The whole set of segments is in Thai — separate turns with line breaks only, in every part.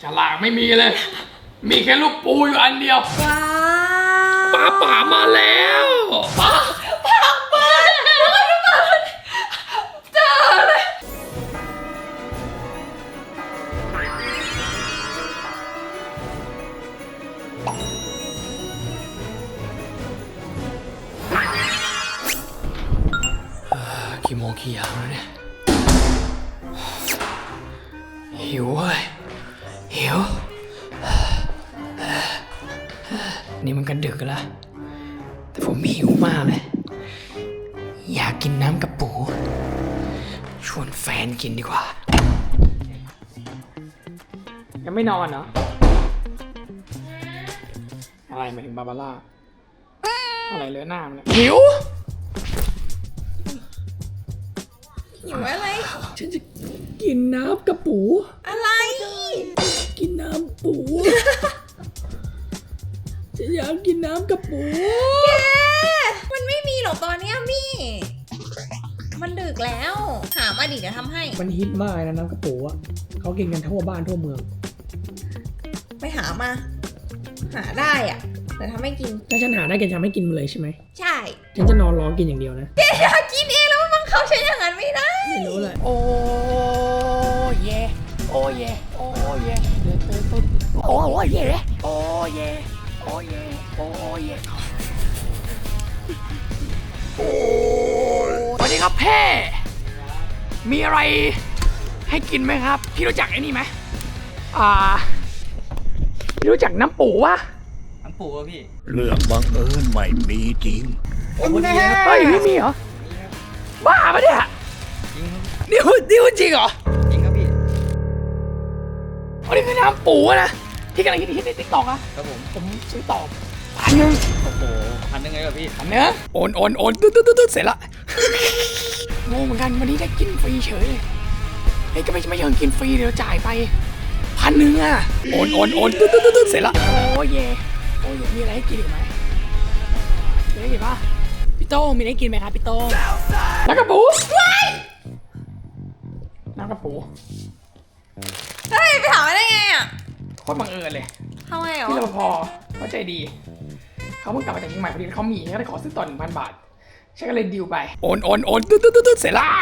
ฉลากไม่มีเลย มีแค่ลูกปูอยู่อันเดียว
ว้า
ป่ามาแล้วป่า
เปิดเจอเลย
กี่โมงกี่ยามแล้วเนี่ยหิวเว้ยหิวนี่มันกันดึกแล้วแต่ผมหิวมากเลยอยากกินน้ำกระปูชวนแฟนกินดีกว่ายังไม่นอนเหรออะไรหมายถึงบาบาร่าอะไรเลอะหน้ามันเนี่ยหิว
หิวอะไร
ฉันจะกินน้ำกระปู
อะไร
กินน้ำปูฉันอยากกินน้ำกระปู
แกมันไม่มีหรอกตอนเนี้ยมี่มันดึกแล้ว หามาดิเดี๋ยวทำให้
มันฮิตมากนะน้ำกระปูอ่ะเขากินกันทั่วบ้านทั่วเมือง
ไปหามา หาได้อ่ะแต่ทำให้กิน
ถ้าฉันหาได้แกจะไม่กินเลยใช่ไหม
ใช่
ฉันจะนอนรอกินอย่างเดียวนะ
แกอยากกินเองแล้วบังคับฉันอย่างนั้นไม่ได้
ไม่รู้เลยโอ้เยโอ้เยโอ้เยโอ้เยโอ้เยโอ้เยโอ้เยสวัสดีครับแพ่มีอะไรให้กินไหมครับพี่รู้จักไอ้นี่ไหมพี่รู้จักน้ำปูวะ
น้ำปูอะพี่
เรื่องบังเอิญไม่มีจริง
เฮ้ยไม่มีเหรอบ้าปะเนี่ย
จริงครับ
นี่พูดจริงเหรอ
จริงครับพี่
อันนี้คือน้ำปูนะที่กำลังฮิตในติ๊กต็อกอะ
ครับผม
ผมซื้อต่อ1,000
โอ้โห1,000ไงกับพี่
อันเนี้ยโอนตึ๊ดเสร็จละงงเหมือนกันวันนี้ได้กินฟรีเฉยเฮ้ยก็ไม่เชิงกินฟรีเดี๋ยวจ่ายไป1,000อะโอนตึ๊ดเสร็จละโอ้ยมีอะไรให้กินอีกไหมมีอะไรกินปะพี่โต้งมีอะไรให้กินไหมครับพี่โต้งน้ำกระปูน้ำกระปู
เฮ้ยไปถามมาได้ไงอ่ะ
โคตรบังเอิญเลย
ทำไมเหรอ
พี่รปภเขาใจดีเขาเพิ่งกลับมาจากเชียงใหม่พอดีเขามีเขาเลยขอซื้อต่อ 1,000 บาทฉันก็เลยดิวไปโอนตึ๊ดเสร็จละ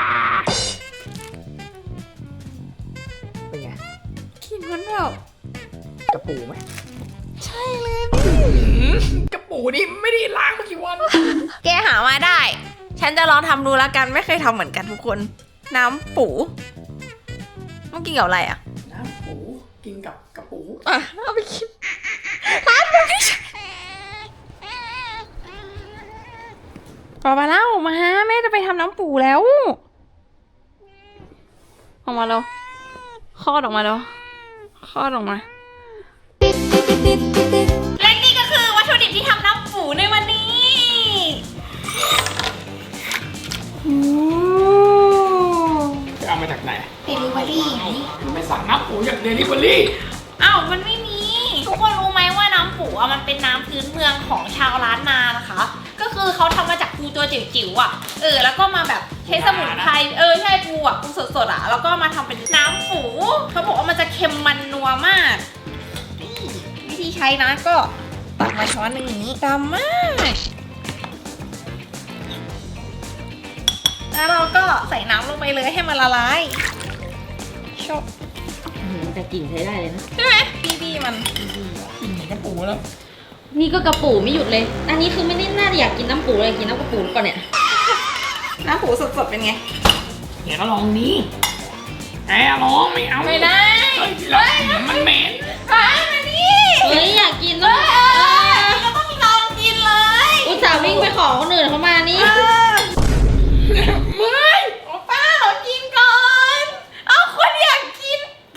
เป็นไง
กินมันแบบ
กระปูไหม
ใช่เลยพี่
กระปูนี่ไม่ได้ล้างมากี่วัน
แกหามาได้ ฉันจะลองทำดูแล้วกันไม่เคยทำเหมือนกันทุกคน น้ำปูต้องกินกับอะไรอ่ะ
น้ำปูกินกับกระปู
อ่ะเอาไปกินร้านมันไม่ใช่ปาเล่ามาแม่จะไปทำน้ำปูแล้วออกมาแล้วคลอดออกมาแล้วคลอดออกมาและนี่ก็คือวัตถุดิบที่ทำน้ำปูในวันนี้
จะเอามาจากไหน
เดลิเวอรี่ไง
ไม่สั่งน้ำปูจากเดลิเวอรี่
อ้าวมันไม่มี ทุกคนรู้ไหมว่าน้ำปูอ่ะมันเป็นน้ำพื้นเมืองของชาวล้านนานะคะ ก็คือเขาทำมาจากปูตัวจิ๋วๆอ่ะแล้วก็มาแบบใช้สมุนไพรใช่ปูอ่ะปูสดๆอ่ะแล้วก็มาทำเป็นน้ำปูเขาบอกว่ามันจะเค็มมันนัวมากนี่วิธีใช้นะก็ตักมาช้อนหนึ่งอย่างนี้ดำมากแล้วเราก็ใส่น้ำลงไปเลยให้มันละลายชอบ
แต่กลิ่นใช้ได้เลยนะ
ใช่ไหมบีมัน
กินเหมือนกระปูแล้ว
นี่ก็กระปูไม่หยุดเลย อันนี้คือไม่ได้น่าจะอยากกินน้ำปูเลยกินน้ำกระปูหรือเปล่าเนี่ย
น้ำปูสดๆเป็นไง
เดี๋ยวก็ลองนี้แกลองไม่เอา
ไม่ได้
เฮ้ยแล้วมันเหม็น
มานี่
เฮ้ยอยากกินด้วย
ก็ต้องลองกินเลย
อุตส่าห์วิ่งไปขอคนอื่นเขามานี่
ไม่
โอ้ป้าขอกินก่อน เอาคนอยากกิน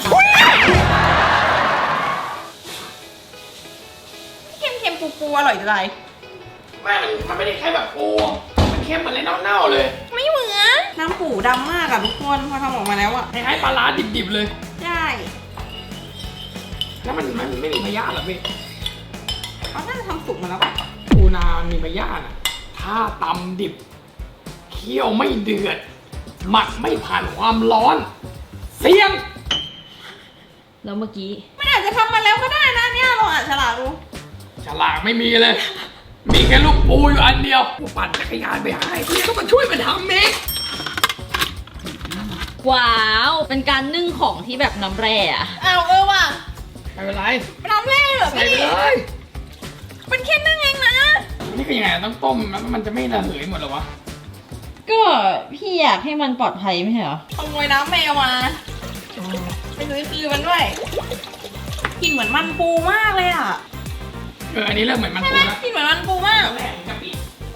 เค็มๆปูๆอร่อยจังเลย
ไม่มันไม่ได้แค่แบบปูมันเค็มเหมือนอะไรเน่าๆเลย
ไม่เหมือนน้ำปูดำมากอะทุกคนพอทำออกมาแล้วอะ
คล้ายๆปลาร้าดิบๆเลย
ใช่
แล้วมันไม่มีพยาธิหรอพี่
เขาน่าจะทำสุกมาแล้วปะ
ปูนามันมีพยาธิอ่ะถ้าตำดิบเคี่ยวไม่เดือดหมักไม่ผ่านความร้อน เสี่ยง
แล้วเมื่อกี้
มันอาจจะทำมาแล้วก็ได้นะเนี่ยเราอ่านฉลากดู
ฉลากไม่มีเลย มีแค่ลูกปูอยู่อันเดียวกูปั่นจักรยานไปหาไอ้ที่ต้องมาช่วยมันทำเอง
ว้าว เป็นการนึ่งของที่แบบน้ำแร่อะ
อ้าวว่ะ
ไม่เป็นไร
เป็นน้ำแร่เหรอ
ใส่
พี่
ไปเลย
เป็นแค่นึ่งเองนะ
นี่คือยังไงต้องต้มแล้วมันจะไม่ระเหยหมดเหรอวะ
ก็พี่อยากให้มันปลอดภัยไม่ใช่เหรอ
ขโมยน้ำแมวมาไปซื้อคืนมันด้วยกลิ่นเหมือนมันปูมากเลยอ่ะ
อันนี้เริ่มเหมือนมัน
ใช่
ปู
ไหม
แล้ว
กลิ่นเหมือนมันปูมาก
แม่งกะปิ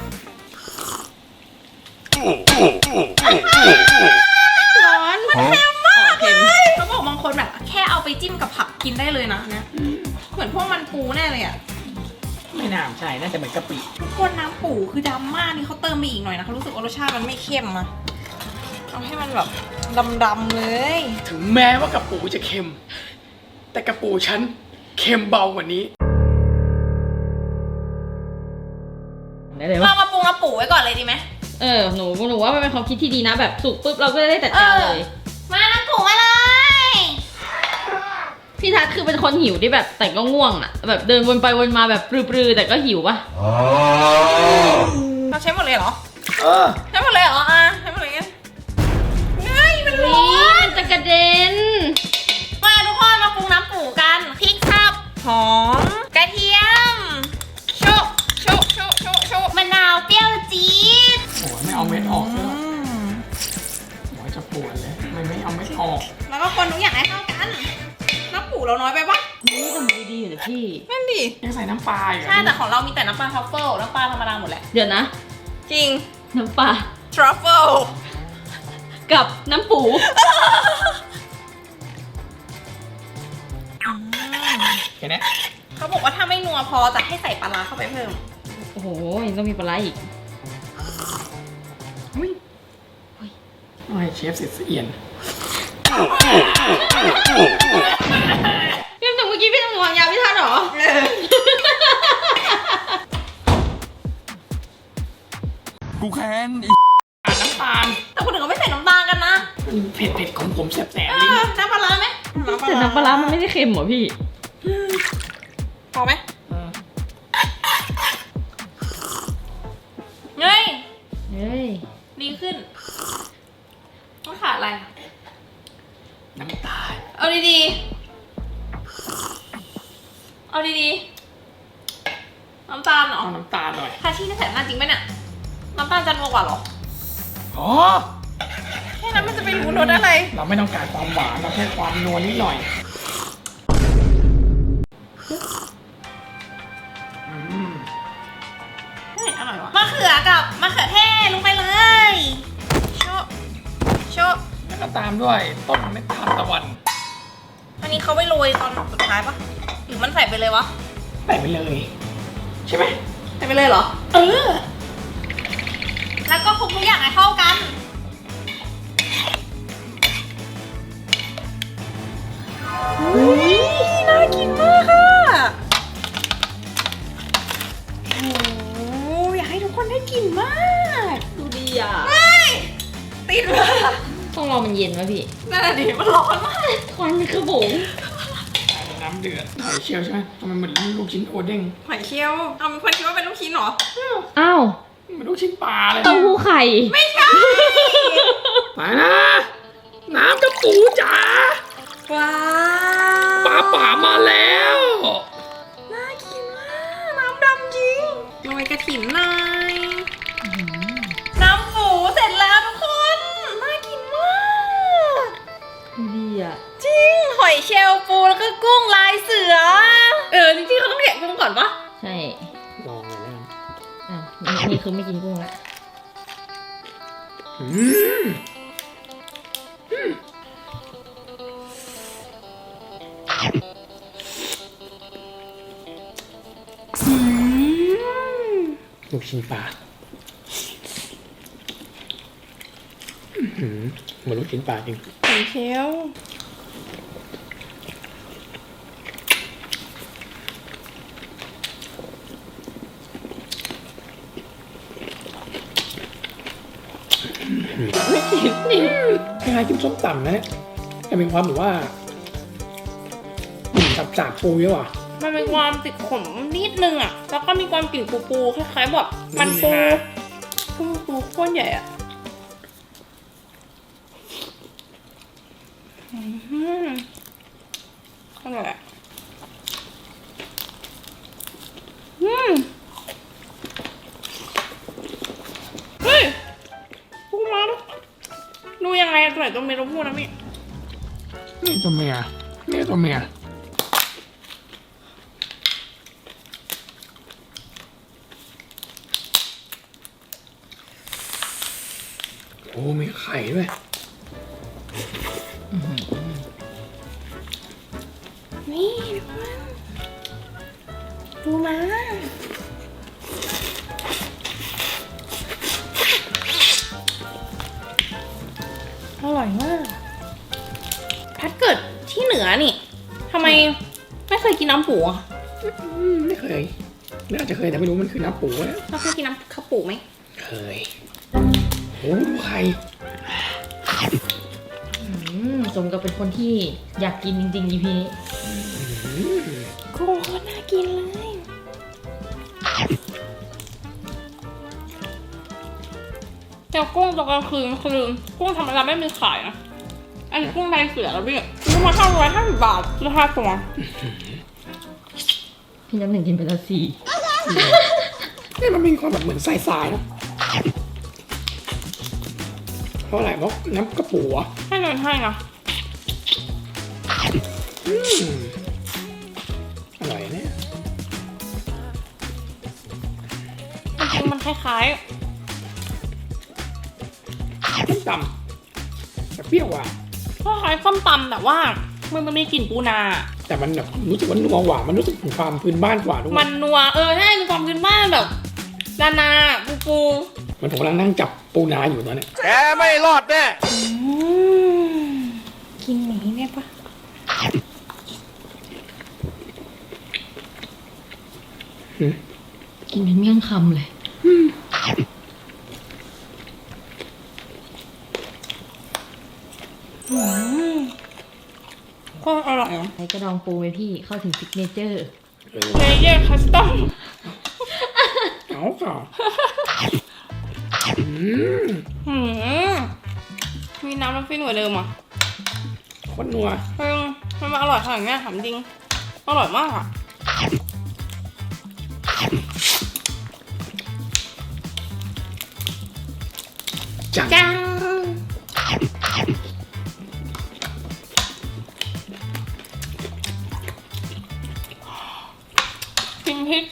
ร้อนมันเค็มมาก
เค็ม
เลยเขาบอกบางคนแบบแค่เอาไปจิ้มกับผักกินได้เลยนะเนี่ยเหมือนพวกมันปูแน่เลยอ่ะ
ไม่น่าใช่น่าจะเหมือนกะปิ
ทุกคนน้ำปูคือดำมากนี่เขาเติมไปอีกหน่อยนะเขารู้สึกว่ารสชาติมันไม่เข้มอะเอาให้มันแบบดำๆเลย
ถึงแม้ว่ากะปูจะเค็ม แต่กะปูฉันเค็มเบากว่านี้
ได้เลย
เรา
วะ
มาปรุงน้ำปูไว้ก่อนเลยดีไหม
หนูว่ามันเป็นความคิดที่ดีนะแบบสุกปุ๊บเราก็จะได้จัดการเลย
มาน้ำปูมาเลย
พี่ทัศน์คือเป็นคนหิวที่แบบแต่ก็ง่วงอะแบบเดินวนไปวนมาแบบปรือๆแต่ก็หิวปะ
เราใช้หมดเลยเหรอ
เออ
ใช้หมดเลยเหรอใช้หมดเลยกันเฮ้ยมันร้
นี่
อน
มันจะกระเด็น
มาทุกคนมาปรุงน้ำปูกันพริกสับหอมกระเทียมโชะโชะโชะโชะโชะมะนาวเปรี้ยวจี๊ด
โอ้ยไม่เอาเม็ดออกเลยโอ้ยจะปวดเลยไม่เอาเม็ดออก
แล้วก็คนทุกอย่างให้เข้ากันน้ำปูเราน้อยไปปะ
นี่ทำดีๆอยู่นะพี่
นั่นดิ
ยังใส่น้ำปลาอยู่
ใช่แต่ของเรามีแต่น้ำปลาทรัฟเฟิลน้ำปลาธรรมดาหมดแหละ
เดี๋ยวนะ
จริง
น้ำปลา
ทรัฟเฟิล
กับน้ำปู
แค่นี้
เขาบอกว่าถ้าไม่นัวพอจะให้ใส่ปลาร้าเข้าไปเพิ่ม
โอ้โหยังต้องมีปลาไหลอีก
โอ้ยเชฟเสร็จเอียน
พี่หนูเมื่อกี้พี่หนูวางยาพี่ทัศน์เหรอ
กูแค้น
น้ำตาล
แต่คนอื่นเขาไม่ใส่น้ำตาลกันนะ
เผ็ดของผมแสบ
เอ
ๆลิ้น
อน้ำปลาร้าไหม
แต่น้ำปลาร้ามันไม่ได้เค็มเหรอพี่
พอไหมเฮ้ย
เฮ้ย
ดีขึ้นต้องขาดอะไร
น้ำตาล
เอาดีๆ เอาดีๆ น้ำตาลเหรอ
เอาน้ำตาลหน่อย
ทาชี่นี่ใส่น้ำตาลจริงไหมเนี่ยน้ำตาลจะนัวกว่าเหรอ
อ๋อ
แค่นั้นมันจะไปรู้รสอะไร
เราไม่ต้องการความหวานเราแค่ความนัวนิดหน่อยอืม
เฮ้ยอร่อยวะมะเขือกับมะเขือเทศลงไปเลยโชะโชะ
แล้วก็ตามด้วยต้นเม็ดทานตะวัน
อันนี้เขาไปโรยตอนสุดท้ายปะหรือมันใส่ไปเลยวะ
ใส่ไปเลย ใช่ไหม
ใส่ไปเลยเหรอ
เออ
แล้วก็คลุกทุกอย่างให้เข้ากันอุ้ยน่ากินมากค่ะโอ้อยากให้ทุกคนได้กินมาก
ดูดีอ่ะ
เฮ้ยติดมาก
ต้องรอมันเย็นวะพี่
นั่นแหละดิมันร้อนมาก
ควันคือบุ๋ง
น้ำเดือดหอยเชลล์ใช่ไหมทำไมเหมือนลูกชิ้นโอเด้ง
หอยเชลล์เอามีคนคิดว่าเป็นลูกชิ้นเหรอ
อ้าว
เหมือนลูกชิ้นปลาเลย
เต้าหู้ไข่
ไม่ใช่
ไปนะ น้ำกระปูจ๋า
ว้า
ปลาป่ามาแล้ว
น่ากินมากน้ำดำจริงโรยกระถิ่นหน่อยน้ำปูเสร็จแล้วทุกคนน่ากินมาก
ดูดีอ่ะ
จริงหอยเชลล์ปูแล้วก็กุ้งลายเสือจริงๆเขาต้องแกะกุ้งก่อนปะ
ใช่
ลองเลยนะ
อ่ะนี่คือไม่กินกุ้งแล้ว
อืมลูกชิ้นปลาเหมือนลูกชิ้นปลาจริง
หอยเชลล์
ไม่กินนี่คล้ายๆกินส้มตำนะเนี่ยแต่มีความแบบว่าสาบปูเยอะว่ะ
มันเป็นความติดขมนิดนึงอ่ะ แล้วก็มีความกลิ่นปูคล้ายๆแบบมันปูก้นใหญ่อ่ะอร่อยอ่ะเฮ้ยปูมาแล้วดูยังไงตัวไหนตัวเมียตัวผู้นะพี่
นี่ตัวเมียนี่ตัวเมียโอ้มีไข่ด้วย
นี่ดูมาอร่อยมากพัดเกิดที่เหนือนี่ทำไมไม่เคยกินน้ำปูอ่ะ
ไม่เคยน่าจะเคยแต่ไม่รู้มันคือน้ำปูแล้ว
เราเคยกินน้ำข้าวปูไหม
เคยโอ้ดูไข่
สมกับเป็นคนที่อยากกินจริงๆ EP นี้
กุ้งโคตรน่ากินเลยเจ้ากุ้งตอนกลางคืนคือกุ้งธรรมดาไม่มีขายนะอันนี้กุ้งลายเสือแล้วพี่ซื้อมา550 บาทราคาตัว
พี่น้ำหนึ่งกินไปแล้ว4
นี่มันมีความแบบเหมือนทรายๆนะเพราะอะไรเพราะน้ำกระปูอ่ะ
ให้เงินให้นะ
อร่อยเนี่ย
จริงๆมันคล้าย
ส้มตำแต่เปรี้ยวอ่ะ
ๆคล้ายๆส้มตำแต่ว่ามันมีกลิ่นปูนา
แต่มันแบบรู้สึกว่านัวกว่ามันรู้สึกถึงความพื้นบ้านกว่าด้วย
มันนัวใช่มีความพื้นบ้านแบบนาปู
มันผมกำลังนั่งจับปูนาอยู่ตอนเนี้ย
แกไม่รอดแน่
กินหมีเนี่ยปะ
กินเป็นเมี่ยงคำเลย
ก็อร่อยอ่ะ
ใส่กระดองปูไหมพี่เข้าถึงซิกเนเจอร์
เลเยอร์คัสตอม
เอาค่ะ
มีน้ำน้ำฟินกว่าเดิมอ่ะ
คนนัว
มันอร่อยขนาดนี้ถามจริงอร่อยมากอ่ะ
จัง
จังกินพริก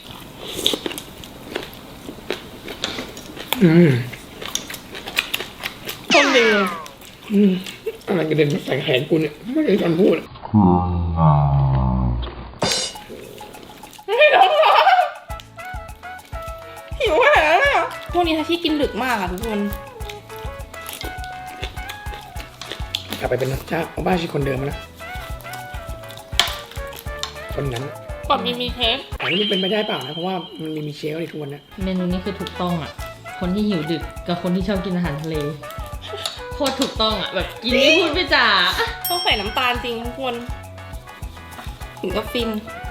คนดี
อะไรกระเด็นมาใส่แขนกูเนี่ยไม่ได้ตอนพูด
ไม่ร้องหิวขนาดนั้นเลยอ่ะพวกนี้ถ้าที่กินดึกมากอ่ะทุกคน
กลับไปเป็นเจ้าของบ้านชื่อคนเดิมมาแล้วคนนั้น
ก่อนมีเทป
แต่นี่มันเป็นไปได้เปล่านะเพราะว่ามันมีเชลในทุกวันนะ
เมนูนี้คือถูกต้องอ่ะ คนที่หิวดึกกับคนที่ชอบกินอาหารทะเล โคตรถูกต้องอ่ะ แบบกินไม่พูดไม่จ่า
ต้องใส่น้ำตาลจริงทุกคน ถึงกับฟิน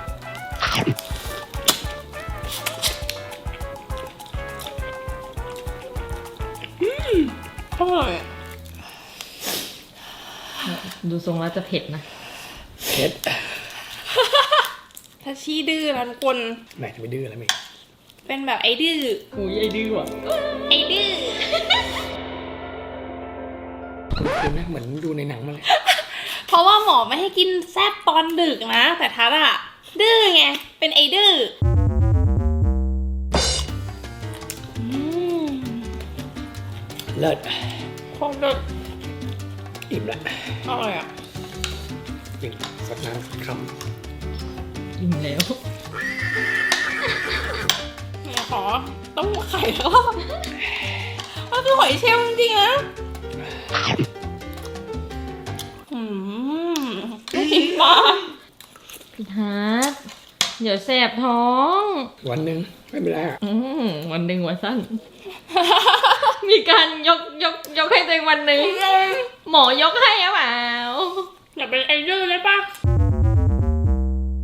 อร่อย
ดูทรงแล้วจะเผ็ดนะ
เผ็ด
ถ้าชี้ดื้อนะทุกคน
แหมจะไปดื้ออะไรไหม
เป็นแบบไอ้ดื้อ
อุ้ยไอ้ดื้อว่ะ
ไอ้ดื้อ
คือนะเหมือนดูในหนังมาเลย
เพราะว่าหมอไม่ให้กินแซ่บตอนดึกนะ แต่ทัดอะดื้อไง เป็นไอ้ดื้อ
เลิศ
โคตรเลิศ
อิ่มละ
อร่อยอ่ะ
อิ่มสักน้ำสักค
อิ่มแล้ว
เนี่ยขอต้องไข่แล้วก็มันคือหอยเชลล์จริงๆนะไม่กินปลา
พี่ทัศน์เดี๋ยวแสบท้อง
ำวันหนึ่งไม่เป็นไรอ่ะ
วันหนึ่งวันสั้น มีการยกให้ตัวเองวันหนึ่ง หมอยกให้หรือเปล่า
อย่าเป็นไอ้ดื้อเลยปะ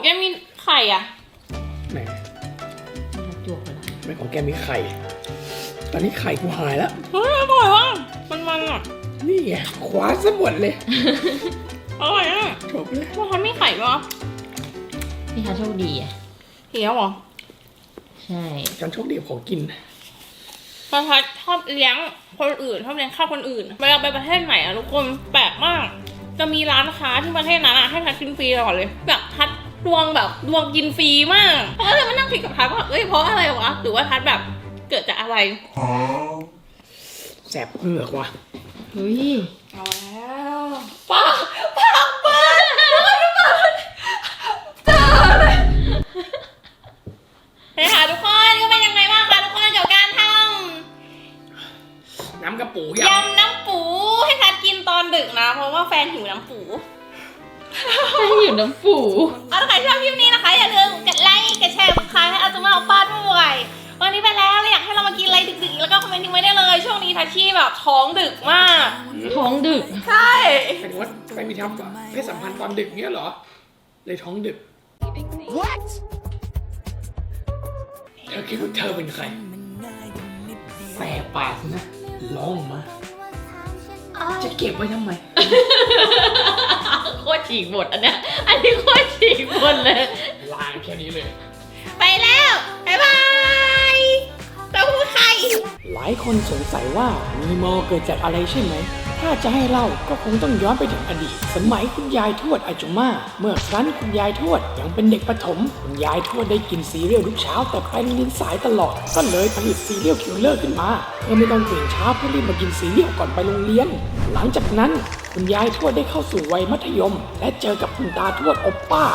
แกมีไข่อ่ะ
ไหน
จวกไปแล้ว
ไม่ของแกมีไข่ ตอนนี้ไข่กูหายแล้ว
เฮ้ยอร่อยว่ะมันอ่ะ
นี่ไงคว้าซะหมดเลย
อร่อยอ่ะ
จบเลย
ว่าทำไม่ไข่ปะ
พี่ทัศน์โชคดีอ่ะ
เหี้ยวเหรอ
ใช่
การโชคดีของกิน
พอทัดชอบเลี้ยงคนอื่นชอบเลี้ยงข้าวคนอื่นเวลาไปประเทศไหนอะทุกคนแปลกมาก จะมีร้านค้าที่ประเทศนั้นอะให้ทัดกินฟรีตลอดเลยแบบทัดดวงแบบดวงกินฟรีมากเพราะเลยมานั่งคิดกับทัดว่าเอ้ยเพราะอะไรวะหรือว่าทัดแบบเกิดจากอะไร
แสบเหงือกว่ะ
เฮ้ย
เอาแล้วปากเปิดเจอเลยเฮ้ยค่ะทุกคนก็เป็นยังไงบ้างคะทุกคนเกี่ยวกับการท
น้ำกระปู
ำยำน้ำปูให้ทัดกินตอนดึกนะ เพราะว่าแฟนหิวน้ำปู
ให้อยู่น้ำปู
เอาถ้าใครชอบคลิปนี้นะคะอย่าลืมกดไลค์กดแชร์กดคายให้อาจุมาเอาป้าด้วยวันนี้ไปแล้วอยากให้เรามากินอะไรดึกๆแล้วก็คอมเมนต์ทิ้งไว้ได้เลยช่วงนี้ทัชชี่แบบท้องดึกมาก
ท้องดึก
ใช่
หมายถึงว่าไปมีทำเพศสัมพันธ์ตอนดึกเนี้ยเหรอ เลยท้องดึก What เธอคิดว่าเธอเป็นใครแสบปากนะร้องมา จะเก็บไว้ทำไม
โคตรฉีกบทอันเนี้ย อันนี้โคตรฉีกบทเลย
ลางแค่นี้เลย
ไปแล้วบ๊ายบายเต้าหู้ไข่
หลายคนสงสัยว่ามีมอเกิดจากอะไรใช่ไหม ถ้าจะให้เล่าก็คงต้องย้อนไปถึงอดีต สมัยคุณยายทวดอาจุม่า เมื่อครั้นคุณยายทวดยังเป็นเด็กประถม คุณยายทวดได้กินซีเรียลทุกเช้าแต่ไปโรงเรียนสายตลอด ก็เลยผลิตซีเรียลคิลเลอร์ขึ้นมา เพื่อไม่ต้องตื่นเช้าเพื่อรีบมากินซีเรียลก่อนไปโรงเรียน หลังจากนั้นคุณยายทวดได้เข้าสู่วัยมัธยม และเจอกับคุณตาทวดโอปป้า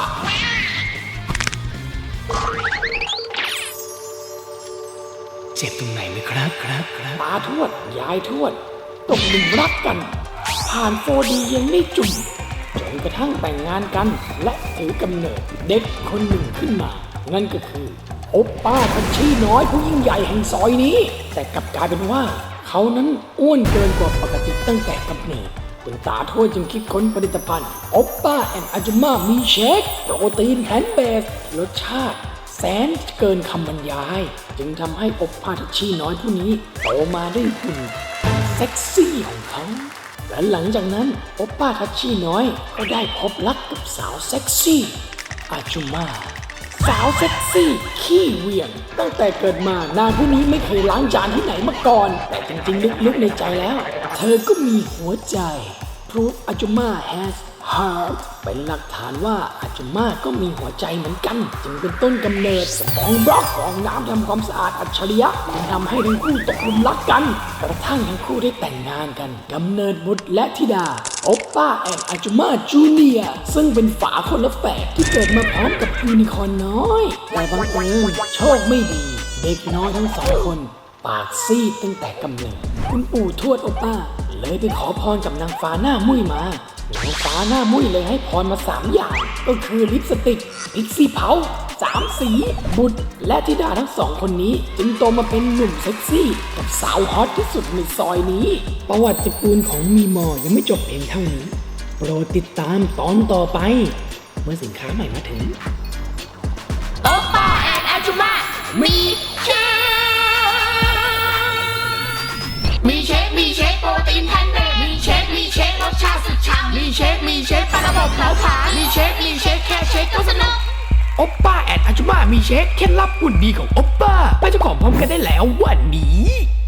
เจ็บตรงไหนไหมครับตาทวดยายทวดตกหลุมรักกัน ผ่าน 4D ยังไม่จุ่มจนกระทั่งแต่งงานกัน และถือกำเนิดเด็กคนหนึ่งขึ้นมา นั่นก็คือโอปป้าทัชชี่น้อยผู้ยิ่งใหญ่แห่งซอยนี้ แต่กลับกลายเป็นว่า เขานั้นอ้วนเกินกว่าปกติตั้งแต่กำเนิดคุณตาทวดจึงคิดค้นผลิตภัณฑ์โอปป้าแอนด์อาจุม่ามีเชคโปรตีนแพลนต์เบสรสชาติแสนเกินคำบรรยาย จึงทำให้โอปป้าทัชชี่น้อยผู้นี้โตมาได้หุ่นเซ็กซี่ของเขา และหลังจากนั้นโอปป้าทัชชี่น้อยก็ได้พบรักกับสาวเซ็กซี่อาจุม่าสาวเซ็กซี่ขี้เหวี่ยงตั้งแต่เกิดมานางผู้นี้ไม่เคยล้างจานที่ไหนมาก่อน แต่จริงๆลึกๆในใจแล้ว เธอก็มีหัวใจ Proof อาจุม่า has heart เป็นหลักฐานว่าอาจุม่าก็มีหัวใจเหมือนกัน จึงเป็นต้นกำเนิดของบล็อกของน้ำทำความสะอาดอัจฉริยะที่ทำให้ทั้งคู่ตกหลุมรักกัน กระทั่งทั้งคู่ได้แต่งงานกันกำเนิดบุตรและธิดาโอปป้าแอนด์อาจุม่าจูเนียร์ซึ่งเป็นฝาคนละแฝดที่เกิดมาพร้อมกับยูนิคอร์นน้อยแต่บังเอิญโชคไม่ดี เด็กน้อยทั้งสองคนปากซีดตั้งแต่กำเนิดคุณปู่ทวดโอปป้าเลยไปขอพรกับนางฟ้าหน้ามุ้ยมานางฟ้าหน้ามุ้ยเลยให้พรมา3อย่างก็คือลิปสติกพิกซี่เผา3 สีบุตรและธิดาทั้งสองคนนี้จึงโตมาเป็นหนุ่มเซ็กซี่กับสาวฮอตที่สุดในซอยนี้ประวัติตระกูลของมีมอยังไม่จบเพียงเท่านี้โปรดติดตามตอนต่อไปเมื่อสินค้าใหม่มาถึง
โอปป้าแอนอาจุม่ามีเชคมีเชคโปรตีนแพนเบสมีเชครสชาติสุดฉ่ำมีเชคปลาระบบเผาผลาญมีเชคแค่เชคก็สนุก
โอปป้าแอนด์อาจุม่ามีเชคเคล็ดลับหุ่นดีของโอปป้าไปเจ้าของพร้อมกันได้แล้ววันนี้